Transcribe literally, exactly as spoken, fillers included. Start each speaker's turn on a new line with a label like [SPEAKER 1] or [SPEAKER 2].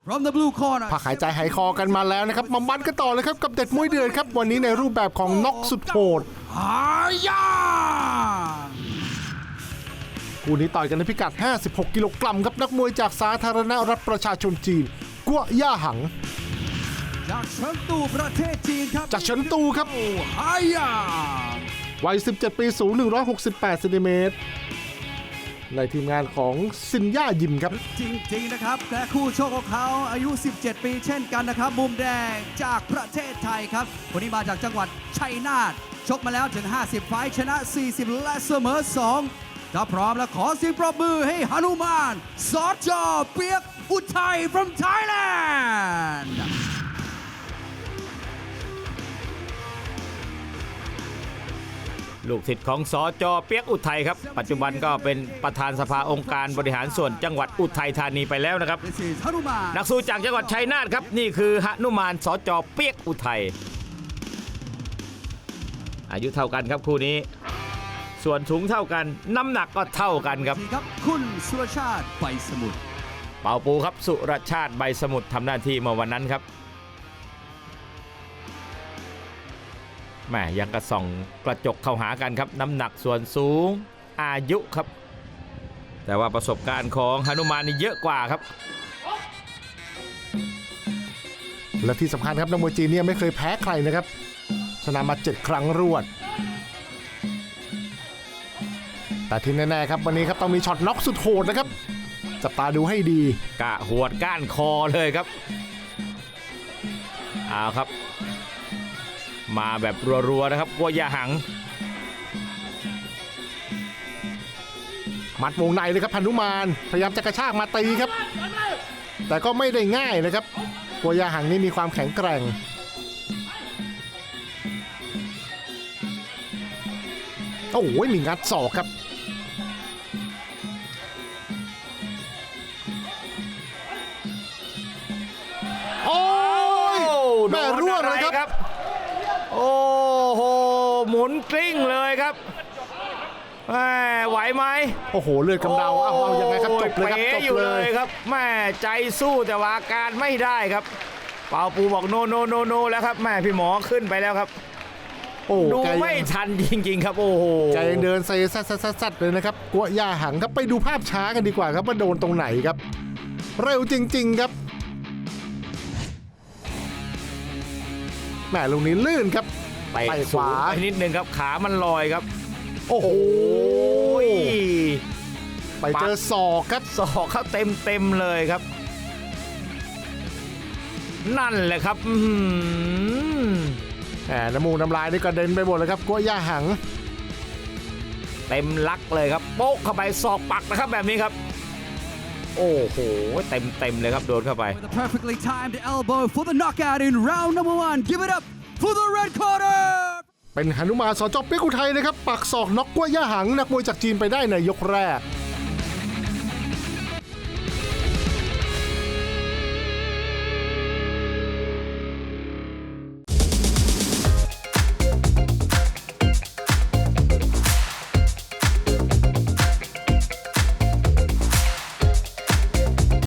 [SPEAKER 1] From the blue corner
[SPEAKER 2] พักหายใจหายคอกันมาแล้วนะครับมามันกันต่อเลยครับกับเด็ดมวยเดือดครับวันนี้ในรูปแบบของน็อกสุดโหด
[SPEAKER 1] ฮายา
[SPEAKER 2] คู่นี้ต่อยกันในพิกัดห้าสิบหกกิโลกรัมครับนักมวยจากสาธารณรัฐประชาชนจีนกัวย่าหัง
[SPEAKER 1] จากเฉิงตูประเทศจีนครับ
[SPEAKER 2] จากเฉิงตูครับ
[SPEAKER 1] ฮายา
[SPEAKER 2] วัยสิบเจ็ดปีสูงหนึ่งร้อยหกสิบแปดเซนติเมตรในทีมงานของซินย่ายิมครับ
[SPEAKER 1] จริงๆนะครับและคู่โชคของเขาอายุ สิบเจ็ด ปีเช่นกันนะครับมุมแดงจากประเทศไทยครับคนนี้มาจากจังหวัดชัยนาทชกมาแล้วถึงห้าสิบไฟท์ชนะสี่สิบและเสมอสองถ้าพร้อมแล้วขอเสียงปรบมือให้หนุมานสจ.เปียกอุทัย from Thailand
[SPEAKER 3] ลูกศิษย์ของสจ.เปียกอุทัยครับปัจจุบันก็เป็นประธานสภาองค์การบริหารส่วนจังหวัดอุทัยธานีไปแล้วนะครับนักสู้จากจังหวัดชัยนาทครับนี่คือหนุมานสจ.เปียกอุทัยอายุเท่ากันครับคู่นี้ส่วนสูงเท่ากันน้ำหนักก็เท่ากันครับ
[SPEAKER 1] คุณสุรชาติใบสมุทร
[SPEAKER 3] เป่าปูครับสุรชาติใบสมุทรทำหน้าที่เมื่อวันนั้นครับแหมยังกระส่องกระจกเข้าหากันครับน้ำหนักส่วนสูงอายุครับแต่ว่าประสบการณ์ของหนุมานนี่เยอะกว่าครับ
[SPEAKER 2] และที่สำคัญครับนักมวยจีนเนี่ยไม่เคยแพ้ใครนะครับชนะมาเจ็ดครั้งรวดแต่ที่แน่ๆครับวันนี้ครับต้องมีช็อตน็อกสุดโหดนะครับจับตาดูให้ดี
[SPEAKER 3] กะหวดก้านคอเลยครับเอาครับมาแบบรัวๆนะครับกัวย่าหัง
[SPEAKER 2] หมัดวงในเลยครับหนุมานพยายามจะกระชากมาตีครับแต่ก็ไม่ได้ง่ายนะครับกัวย่าหังนี่มีความแข็งแกร่งโอ้โหมีงัดศอกครับโอ้ยแม่ร่วงเลยครับ
[SPEAKER 3] โอ้โหหมุนกลิ้งเลยครับแม่ไหวไหม
[SPEAKER 2] โอ้โหเลือดกำเดาเอาเอายังไงครับจบเลยครับจบ
[SPEAKER 3] เลยครับแม่ใจสู้แต่ว่าอาการไม่ได้ครับเป่าปูบอกโนโนโนโนแล้วครับแม่พี่หมอขึ้นไปแล้วครับโอ้ดูไม่ทันจริงๆครับโอ้โห
[SPEAKER 2] ใจยังเดินเซซัดซัดซัดเลยนะครับกัวย่าหังครับไปดูภาพช้ากันดีกว่าครับว่าโดนตรงไหนครับเร็วจริงๆครับแหมลูกนี้ลื่นครับ
[SPEAKER 3] ไปขวาไปนิดนึงครับขามันลอยครับ
[SPEAKER 2] โอ้โหไปเจอศอกครับ
[SPEAKER 3] ศอกเข้าเต็มเต็มเลยครับนั่นแหละครับ
[SPEAKER 2] แหมน้ำมูกน้ำลายนี่กระเด็นไปหมดเลยครับกัวย่าหัง
[SPEAKER 3] เต็มลักเลยครับโป๊ะเข้าไปศอกปักนะครับแบบนี้ครับโอ้โหเต็มเต็มเลยครับโดนเข้าไป
[SPEAKER 1] perfectly timed elbow for the knockout in round number one give it up for the red corner
[SPEAKER 2] เป็นหนุมานสจ.เปียกอุทัยนะครับปักศอกน็อกกัวย่าหังนักมวยจากจีนไปได้ในยกแรก